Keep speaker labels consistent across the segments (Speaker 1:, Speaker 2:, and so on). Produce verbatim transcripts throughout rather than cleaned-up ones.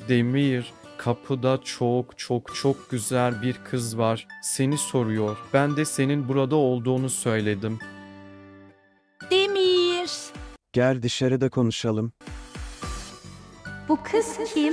Speaker 1: Demir, kapıda çok çok çok güzel bir kız var. Seni soruyor. Ben de senin burada olduğunu söyledim.
Speaker 2: Demir.
Speaker 3: Gel dışarıda konuşalım.
Speaker 2: Bu kız kim?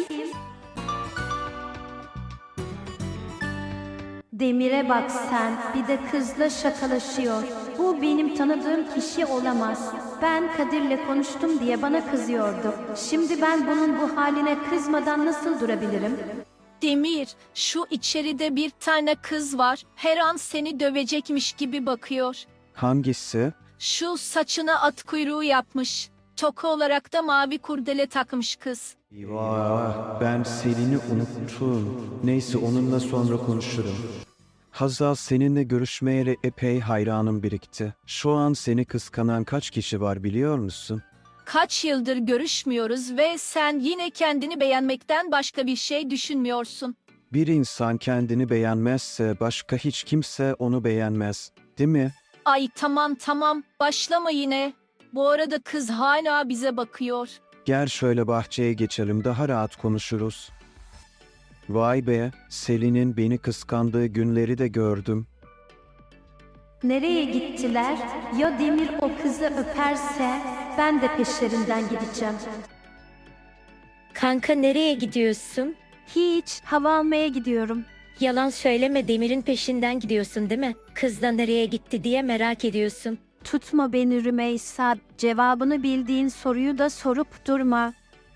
Speaker 2: Demir'e bak sen, bir de kızla şakalaşıyor. Bu benim tanıdığım kişi olamaz. Ben Kadir'le konuştum diye bana kızıyordu. Şimdi ben bunun bu haline kızmadan nasıl durabilirim?
Speaker 4: Demir, şu içeride bir tane kız var. Her an seni dövecekmiş gibi bakıyor.
Speaker 3: Hangisi?
Speaker 4: Şu saçına at kuyruğu yapmış. Toka olarak da mavi kurdele takmış kız.
Speaker 3: Eyvah, ben Selin'i unuttum. Neyse onunla sonra konuşurum. Hazal, seninle görüşmeyeli epey hayranım birikti. Şu an seni kıskanan kaç kişi var biliyor musun?
Speaker 4: Kaç yıldır görüşmüyoruz ve sen yine kendini beğenmekten başka bir şey düşünmüyorsun.
Speaker 3: Bir insan kendini beğenmezse başka hiç kimse onu beğenmez, değil mi?
Speaker 4: Ay tamam tamam, başlama yine. Bu arada kız hala bize bakıyor.
Speaker 3: Gel şöyle bahçeye geçelim, daha rahat konuşuruz. Vay be, Selin'in beni kıskandığı günleri de gördüm.
Speaker 2: Nereye gittiler? Ya Demir o kızı öperse ben de peşlerinden gideceğim.
Speaker 5: Kanka nereye gidiyorsun?
Speaker 2: Hiç, hava almaya gidiyorum.
Speaker 5: Yalan söyleme, Demir'in peşinden gidiyorsun değil mi? Kız da nereye gitti diye merak ediyorsun.
Speaker 2: Tutma beni Rümeysa, cevabını bildiğin soruyu da sorup durma.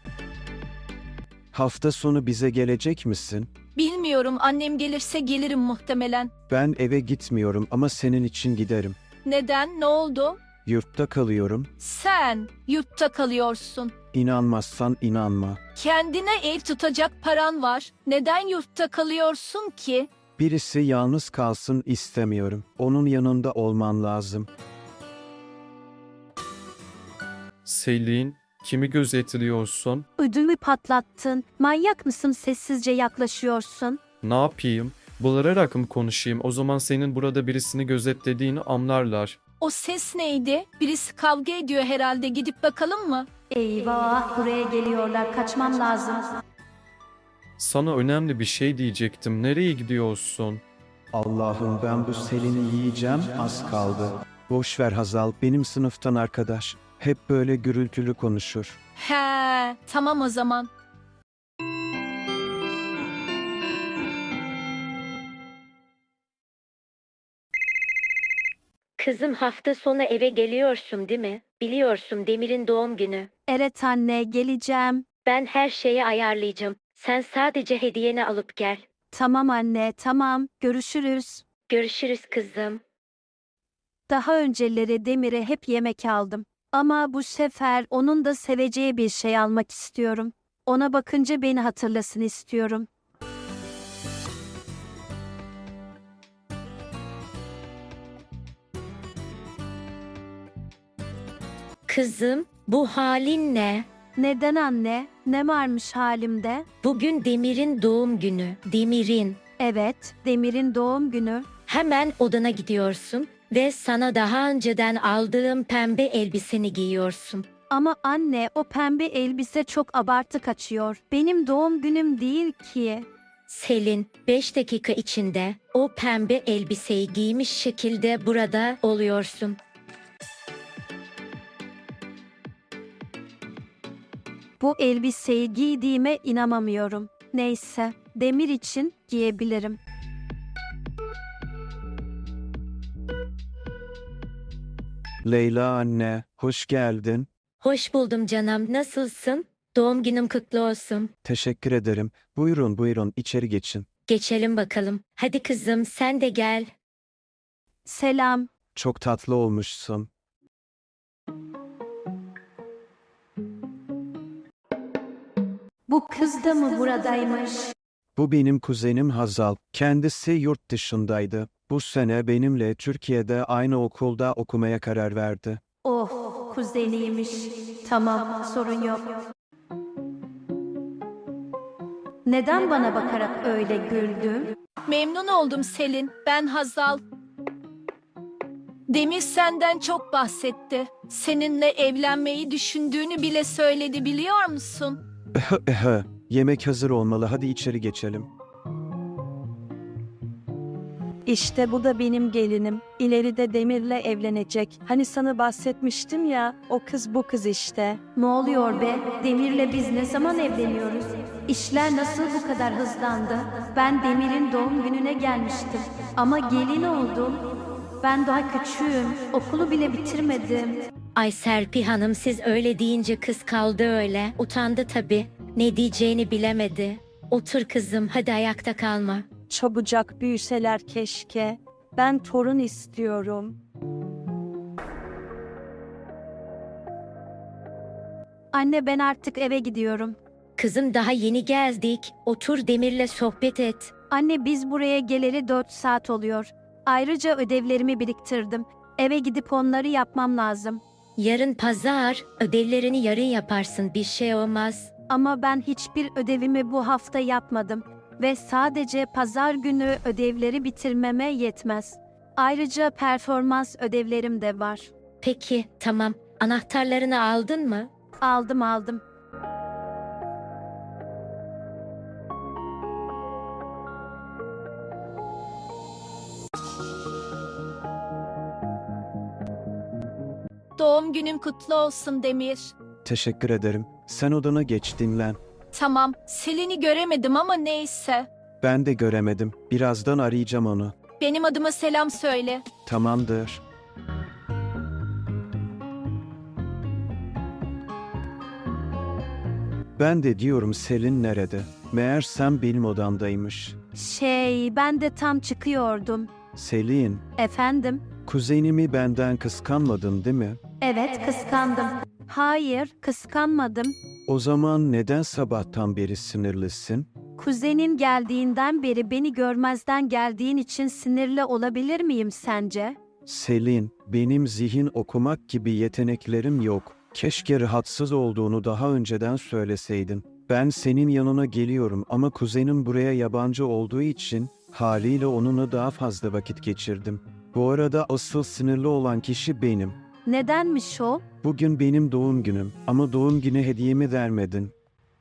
Speaker 3: Hafta sonu bize gelecek misin?
Speaker 4: Bilmiyorum, annem gelirse gelirim muhtemelen.
Speaker 3: Ben eve gitmiyorum ama senin için giderim.
Speaker 4: Neden? Ne oldu?
Speaker 3: Yurtta kalıyorum.
Speaker 4: Sen yurtta kalıyorsun.
Speaker 3: İnanmazsan inanma.
Speaker 4: Kendine ev tutacak paran var. Neden yurtta kalıyorsun ki?
Speaker 3: Birisi yalnız kalsın istemiyorum. Onun yanında olman lazım.
Speaker 1: Selin, kimi gözetliyorsun?
Speaker 2: Ödümü patlattın. Manyak mısın, sessizce yaklaşıyorsun?
Speaker 1: Ne yapayım? Bağırarak mı konuşayım? O zaman senin burada birisini gözetlediğini anlarlar.
Speaker 4: O ses neydi? Birisi kavga ediyor herhalde. Gidip bakalım mı?
Speaker 2: Eyvah, buraya geliyorlar, kaçmam lazım.
Speaker 1: Sana önemli bir şey diyecektim. Nereye gidiyorsun?
Speaker 3: Allah'ım, ben bu Selin'i yiyeceğim, az kaldı. Boş ver Hazal, benim sınıftan arkadaş. Hep böyle gürültülü konuşur.
Speaker 4: He, tamam o zaman.
Speaker 5: Kızım, hafta sonu eve geliyorsun değil mi? Biliyorsun, Demir'in doğum günü.
Speaker 2: Evet anne, geleceğim.
Speaker 5: Ben her şeyi ayarlayacağım. Sen sadece hediyeni alıp gel.
Speaker 2: Tamam anne, tamam. Görüşürüz.
Speaker 5: Görüşürüz kızım.
Speaker 2: Daha önceleri Demir'e hep yemek aldım. Ama bu sefer onun da seveceği bir şey almak istiyorum. Ona bakınca beni hatırlasın istiyorum.
Speaker 5: Kızım, bu halin ne?
Speaker 2: Neden anne? Ne varmış halimde?
Speaker 5: Bugün Demir'in doğum günü. Demir'in.
Speaker 2: Evet, Demir'in doğum günü.
Speaker 5: Hemen odana gidiyorsun ve sana daha önceden aldığım pembe elbiseni giyiyorsun.
Speaker 2: Ama anne, o pembe elbise çok abartı kaçıyor. Benim doğum günüm değil ki.
Speaker 5: Selin, beş dakika içinde o pembe elbiseyi giymiş şekilde burada oluyorsun.
Speaker 2: Bu elbiseyi giydiğime inanamıyorum. Neyse, Demir için giyebilirim.
Speaker 3: Leyla anne, hoş geldin.
Speaker 5: Hoş buldum canım, nasılsın? Doğum günüm kutlu olsun.
Speaker 3: Teşekkür ederim. Buyurun buyurun, içeri geçin.
Speaker 5: Geçelim bakalım. Hadi kızım, sen de gel.
Speaker 2: Selam.
Speaker 3: Çok tatlı olmuşsun.
Speaker 2: Bu kız da mı buradaymış?
Speaker 3: Bu benim kuzenim Hazal. Kendisi yurt dışındaydı. Bu sene benimle Türkiye'de aynı okulda okumaya karar verdi.
Speaker 2: Oh, kuzeniymiş. Tamam, sorun yok. Neden bana bakarak öyle güldün?
Speaker 4: Memnun oldum Selin. Ben Hazal. Demir senden çok bahsetti. Seninle evlenmeyi düşündüğünü bile söyledi, biliyor musun?
Speaker 3: Yemek hazır olmalı, hadi içeri geçelim.
Speaker 6: İşte bu da benim gelinim. İleride Demir'le evlenecek. Hani sana bahsetmiştim ya, o kız bu kız işte.
Speaker 2: Ne oluyor be? Demir'le biz ne zaman evleniyoruz? İşler nasıl bu kadar hızlandı? Ben Demir'in doğum gününe gelmiştim. Ama gelin oldum. Ben daha küçüğüm. Okulu bile bitirmedim.
Speaker 5: Ay Serpil Hanım, siz öyle deyince kız kaldı öyle. Utandı tabii. Ne diyeceğini bilemedi. Otur kızım, hadi ayakta kalma.
Speaker 6: Çabucak büyüseler keşke. Ben torun istiyorum.
Speaker 2: Anne, ben artık eve gidiyorum.
Speaker 5: Kızım, daha yeni geldik. Otur, Demir'le sohbet et.
Speaker 2: Anne, biz buraya geleli dört saat oluyor. Ayrıca ödevlerimi biriktirdim. Eve gidip onları yapmam lazım.
Speaker 5: Yarın pazar, ödevlerini yarın yaparsın, bir şey olmaz.
Speaker 2: Ama ben hiçbir ödevimi bu hafta yapmadım. Ve sadece pazar günü ödevleri bitirmeme yetmez. Ayrıca performans ödevlerim de var.
Speaker 5: Peki, tamam. Anahtarlarını aldın mı?
Speaker 2: Aldım aldım.
Speaker 4: Doğum günün kutlu olsun Demir.
Speaker 3: Teşekkür ederim. Sen odana geç, dinlen.
Speaker 4: Tamam, Selin'i göremedim ama neyse.
Speaker 3: Ben de göremedim. Birazdan arayacağım onu.
Speaker 4: Benim adıma selam söyle.
Speaker 3: Tamamdır. Ben de diyorum Selin nerede? Meğersem benim odamdaymış.
Speaker 2: Şey, ben de tam çıkıyordum.
Speaker 3: Selin,
Speaker 2: Efendim?
Speaker 3: kuzenimi benden kıskanmadın değil mi?
Speaker 2: Evet, kıskandım. Hayır, kıskanmadım.
Speaker 3: O zaman neden sabahtan beri sinirlisin?
Speaker 2: Kuzenin geldiğinden beri beni görmezden geldiğin için sinirli olabilir miyim sence?
Speaker 3: Selin, benim zihin okumak gibi yeteneklerim yok. Keşke rahatsız olduğunu daha önceden söyleseydin. Ben senin yanına geliyorum ama kuzenim buraya yabancı olduğu için haliyle onunla daha fazla vakit geçirdim. Bu arada asıl sinirli olan kişi benim.
Speaker 2: Nedenmiş o?
Speaker 3: Bugün benim doğum günüm ama doğum günü hediyemi vermedin.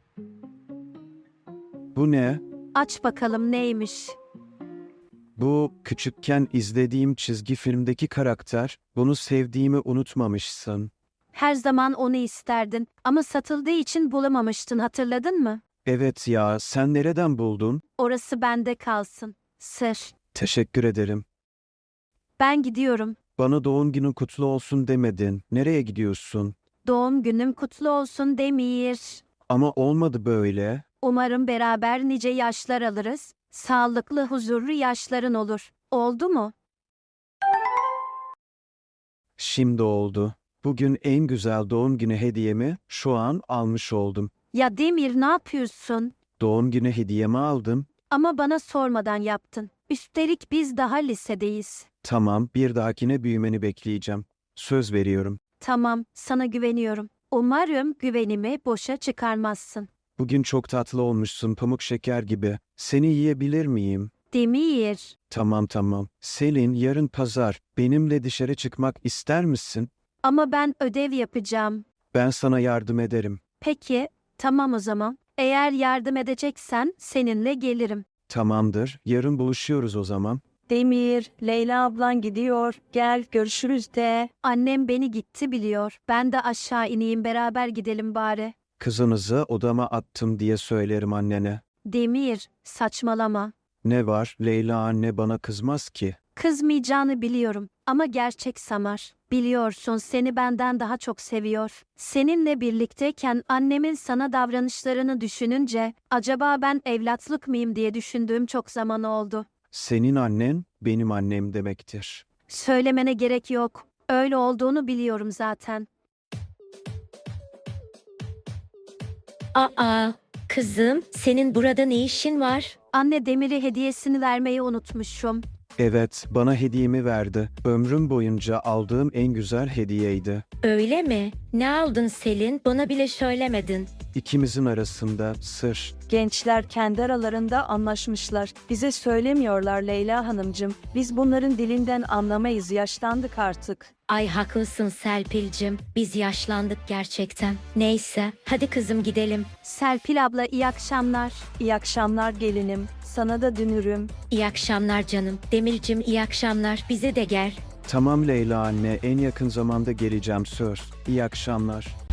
Speaker 3: Bu ne?
Speaker 2: Aç bakalım neymiş.
Speaker 3: Bu küçükken izlediğim çizgi filmdeki karakter. Bunu sevdiğimi unutmamışsın.
Speaker 2: Her zaman onu isterdin ama satıldığı için bulamamıştın, hatırladın mı?
Speaker 3: Evet ya, sen nereden buldun?
Speaker 2: Orası bende kalsın. Sır.
Speaker 3: Teşekkür ederim.
Speaker 2: Ben gidiyorum.
Speaker 3: Bana doğum günün kutlu olsun demedin. Nereye gidiyorsun?
Speaker 2: Doğum günüm kutlu olsun Demir.
Speaker 3: Ama olmadı böyle.
Speaker 2: Umarım beraber nice yaşlar alırız. Sağlıklı, huzurlu yaşların olur. Oldu mu?
Speaker 3: Şimdi oldu. Bugün en güzel doğum günü hediyemi şu an almış oldum.
Speaker 2: Ya Demir, ne yapıyorsun?
Speaker 3: Doğum günü hediyemi aldım.
Speaker 2: Ama bana sormadan yaptın. Üstelik biz daha lisedeyiz.
Speaker 3: Tamam, bir dahakine büyümeni bekleyeceğim. Söz veriyorum.
Speaker 2: Tamam, sana güveniyorum. Umarım güvenimi boşa çıkarmazsın.
Speaker 3: Bugün çok tatlı olmuşsun, pamuk şeker gibi. Seni yiyebilir miyim?
Speaker 2: Demir,
Speaker 3: Tamam tamam. Selin, yarın pazar. Benimle dışarı çıkmak ister misin?
Speaker 2: ama ben ödev yapacağım.
Speaker 3: Ben sana yardım ederim.
Speaker 2: Peki, tamam o zaman. Eğer yardım edeceksen seninle gelirim.
Speaker 3: Tamamdır. Yarın buluşuyoruz o zaman.
Speaker 6: Demir, Leyla ablan gidiyor. Gel görüşürüz de.
Speaker 2: Annem beni gitti biliyor. Ben de aşağı ineyim, beraber gidelim bari.
Speaker 3: Kızınızı odama attım diye söylerim annene.
Speaker 2: Demir, saçmalama.
Speaker 3: Ne var? Leyla anne bana kızmaz ki.
Speaker 2: Kızmayacağını biliyorum ama gerçek Samar. Biliyorsun, seni benden daha çok seviyor. Seninle birlikteyken annemin sana davranışlarını düşününce acaba ben evlatlık mıyım diye düşündüğüm çok zaman oldu.
Speaker 3: Senin annen benim annem demektir.
Speaker 2: Söylemene gerek yok. Öyle olduğunu biliyorum zaten.
Speaker 5: Aa, kızım, senin burada ne işin var?
Speaker 2: Anne, Demir'e hediyesini vermeyi unutmuşum.
Speaker 3: Evet, bana hediyemi verdi. Ömrüm boyunca aldığım en güzel hediyeydi.
Speaker 5: Öyle mi? Ne aldın Selin? Bana bile söylemedin.
Speaker 3: İkimizin arasında sır.
Speaker 6: Gençler kendi aralarında anlaşmışlar. Bize söylemiyorlar Leyla Hanımcığım. Biz bunların dilinden anlamayız, yaşlandık artık.
Speaker 5: Ay haklısın Serpil'cim. Biz yaşlandık gerçekten. Neyse hadi kızım gidelim.
Speaker 2: Serpil abla iyi akşamlar.
Speaker 6: İyi akşamlar gelinim. Sana da dünürüm.
Speaker 5: İyi akşamlar canım. Demir'cim iyi akşamlar. Bize de gel.
Speaker 3: Tamam Leyla anne, en yakın zamanda geleceğim söz. İyi akşamlar.